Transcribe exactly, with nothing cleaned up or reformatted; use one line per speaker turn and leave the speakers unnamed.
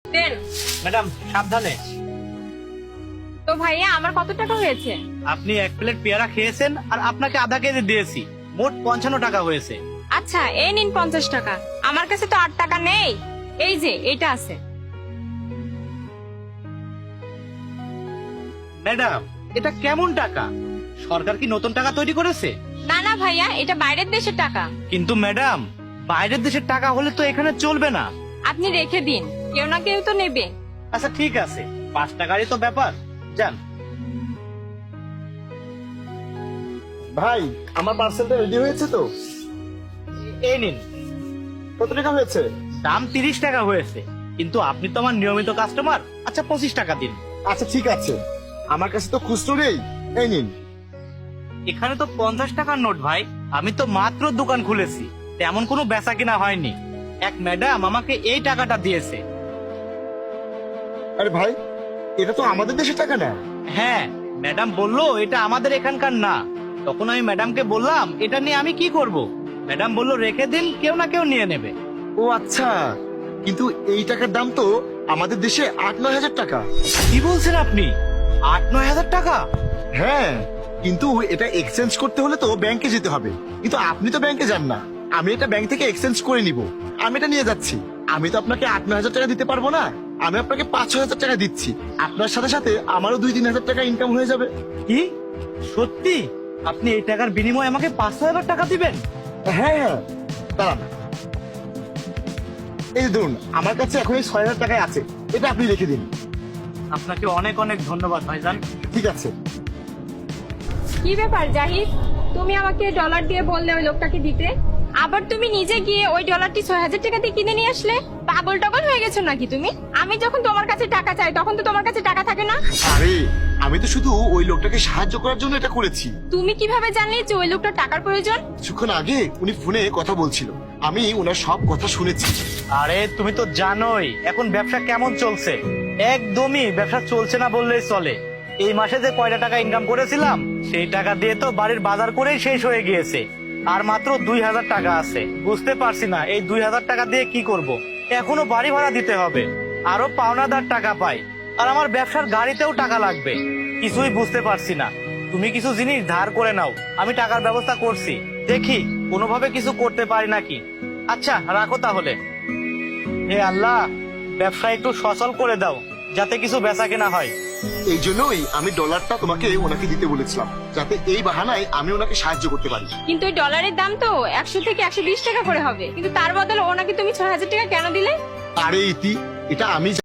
দেন।
Madam সাবধানে।
তো ভাইয়া আমার কত টাকা হয়েছে?
আপনি এক প্লেট পেয়ারা খেয়েছেন আর আপনাকে আধা কেজি দিয়েছি, মোট পঞ্চান্ন টাকা হয়েছে।
আচ্ছা এই নিন পঞ্চাশ টাকা। আমার কাছে তো আট টাকা নেই, এই যে এটা আছে।
ম্যাডাম এটা কেমন টাকা? সরকার কি নতুন টাকা তৈরি করেছে?
না না ভাইয়া, এটা বাইরের দেশের টাকা।
কিন্তু ম্যাডাম বাইরের দেশের টাকা হলে তো এখানে চলবে না।
আপনি রেখে দিন, কেউ না কেউ তো নেবে।
আচ্ছা ঠিক আছে, পাঁচ টাকারই তো ব্যাপার, যান।
ভাই আমার পার্সেলটা রেডি হয়েছে তো?
এই নিন।
কত টাকা হয়েছে?
দাম তিরিশ টাকা হয়েছে, কিন্তু আপনি তো আমার নিয়মিত কাস্টমার। আচ্ছা পঁচিশ টাকা দিন।
আচ্ছা ঠিক আছে, আমার কাছে তো খুচরো নেই, এই নিন।
এখানে তো পঞ্চাশ টাকার নোট ভাই, আমি তো মাত্র দোকান খুলেছি, তেমন কোনো বেচা কিনা হয়নি। এক ম্যাডাম আমাকে এই টাকাটা দিয়েছে।
আরে ভাই, এটা তো আমাদের দেশের টাকা না।
হ্যাঁ, ম্যাডাম বললো এটা আমাদের এখানকার না। তখন আমি ম্যাডামকে বললাম এটা নিয়ে আমি কি করব। ম্যাডাম বললো রেখে দিন, কেউ না কেউ নিয়ে নেবে।
ও আচ্ছা, কিন্তু এই টাকার দাম তো আমাদের দেশে আট নয় হাজার টাকা।
কি বলছেন আপনি? আট নয় হাজার টাকা?
হ্যাঁ, কিন্তু এটা এক্সচেঞ্জ করতে হলে তো ব্যাংকে যেতে হবে, কিন্তু আপনি তো ব্যাংকে যান না। আমি এটা ব্যাংক থেকে এক্সচেঞ্জ করে নিব, আমি এটা নিয়ে যাচ্ছি। আমি তো আপনাকে আট নয় হাজার টাকা দিতে পারবো না, আমি আপনাকে পাঁচ ছয় হাজার টাকা দিচ্ছি। আপনার সাথে সাথে আমারও দুই তিন হাজার টাকা ইনকাম হয়ে যাবে।
কি সত্যি? আপনি এই টাকার বিনিময়ে আমাকে পাঁচ হাজার টাকা দিবেন?
হ্যাঁ হ্যাঁ, দাঁড়ান। এই যে ধরুন, আমার কাছে এখন এই ছয় হাজার টাকায় আছে, এটা আপনি রেখে দিন।
আপনাকে অনেক অনেক ধন্যবাদ ভাইজান।
ঠিক আছে।
কি ব্যাপার জাহিদ, তুমি আমাকে ডলার দিয়ে বললে ওই লোকটাকে দিতে, আবার তুমি নিজে গিয়ে ওই ডলারটি ছয় হাজার টাকা দিয়ে কিনে নিয়ে আসলে? পাগল টাগল হয়ে গেছো নাকি তুমি? আমি যখন তোমার কাছে টাকা চাই তখন তো তোমার কাছে টাকা থাকে না।
আরে আমি তো শুধু ওই লোকটাকে সাহায্য করার জন্য এটা করেছি।
তুমি কিভাবে জানলে যে ওই লোকটার টাকার প্রয়োজন?
কিছুক্ষণ আগে উনি ফোনে কথা বলছিল, আমি ওনার সব কথা শুনেছি।
আরে তুমি তো জানোই এখন ব্যবসা কেমন চলছে। একদমই ব্যবসা চলছে না বললেই চলে। এই মাসে যে কয়টা টাকা ইনকাম করেছিলাম সেই টাকা দিয়ে তো বাড়ির বাজার করেই শেষ হয়ে গিয়েছে। আর মাত্র দুই হাজার টাকা আছে। বুঝতে পারছি না এই দুই হাজার টাকা দিয়ে কি করব। এখনো বাড়ি ভাড়া দিতে হবে, আরো পাওনাদার টাকা পাই, আর আমার ব্যবসার গাড়িতেও টাকা লাগবে। কিছুই বুঝতে পারছি না। তুমি কিছু জিনিস ধার করে নাও, আমি টাকার ব্যবস্থা করছি। দেখি কোনোভাবে কিছু করতে পারি নাকি। আচ্ছা রাখো তাহলে। হে আল্লাহ, ব্যবসা একটু সচল করে দাও যাতে কিছু বেচা কেনা হয়।
এই জন্যই আমি ডলারটা তোমাকে ওনাকে দিতে বলেছিলাম, যাতে এই বাহানায় আমি ওনাকে সাহায্য করতে পারি।
কিন্তু ওই ডলারের দাম তো একশো থেকে একশো বিশ টাকা করে হবে, কিন্তু তার বদলে ওনাকে তুমি ছয় হাজার টাকা কেন দিলে?
আরে ইতি, এটা আমি